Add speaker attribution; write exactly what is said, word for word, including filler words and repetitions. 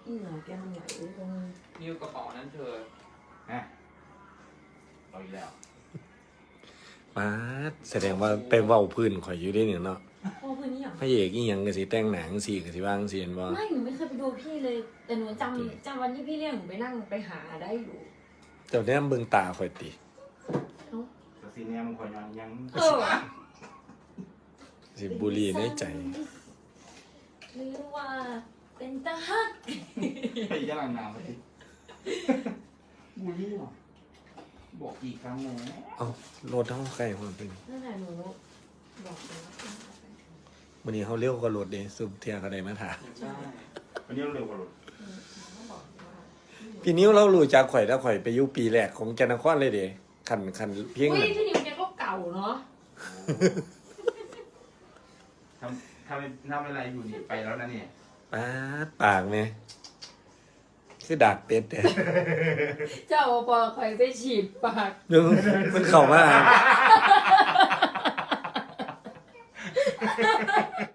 Speaker 1: อีหนาแกมันไหลตรง
Speaker 2: นิ้วกระเป๋านั้นเธอ
Speaker 3: ฮะเอาอีกแล้ว
Speaker 4: มาแสดงว่าไปเว้าพื้นข่อยอยู่ได้เนี่ยเนาะ
Speaker 1: พ่อเพื่อนนี่อย่าง
Speaker 4: พระเอกอีหยังก็สิแต่งหนังสิก็สิว่างสิเห็นบ่
Speaker 1: ไม่หนูไม่เคยไปดูพี่เลย แต่หนูจำจำวันที่พี่เรียกหนูไปนั่งไปหาได้อยู่
Speaker 4: เจ้าแนมเบิ่งตาข่อยติ
Speaker 1: เอ้า
Speaker 3: สซีเนี่ยมันคอยยังยัง
Speaker 1: เออ
Speaker 4: สิบุหรี่ในใจ
Speaker 1: หรือว่าเป็นตาฮัก
Speaker 3: ไปย่างน้ำไปบูลลี่หรอบอกกี่ครั้งแล้ว
Speaker 4: เอ้ารถเฮาใกล้ความเป็น
Speaker 1: นั่นแหละหนูบอกเลยว่าเป็นตาฮัก
Speaker 4: วันนี้เฮาเร็วกว่ารถเด้สุบเที่ยก็ได้มาถาม
Speaker 2: ใช่
Speaker 3: วันนี้เราเร็วกว่ารถ
Speaker 1: อืมหนูก็บอกว่า
Speaker 4: พี่นิ้วเรารู้จักข่อยแล้วข่อยไปอยู่ปีแรกของแก่นนครเลยเด้คันคันเพียง
Speaker 1: อุ้ย
Speaker 4: นั้น
Speaker 1: พี่นิวแกก็เก่าเนาะ
Speaker 3: ทำทำทำอะไรอยู่นี่ไปแล้วนะเนี่ย
Speaker 4: ปาดปากแม่คือดากเป็ดเด้
Speaker 1: เจ้าปอคอยไปฉีดปาก
Speaker 4: เดี๋ยวมันเข้ามา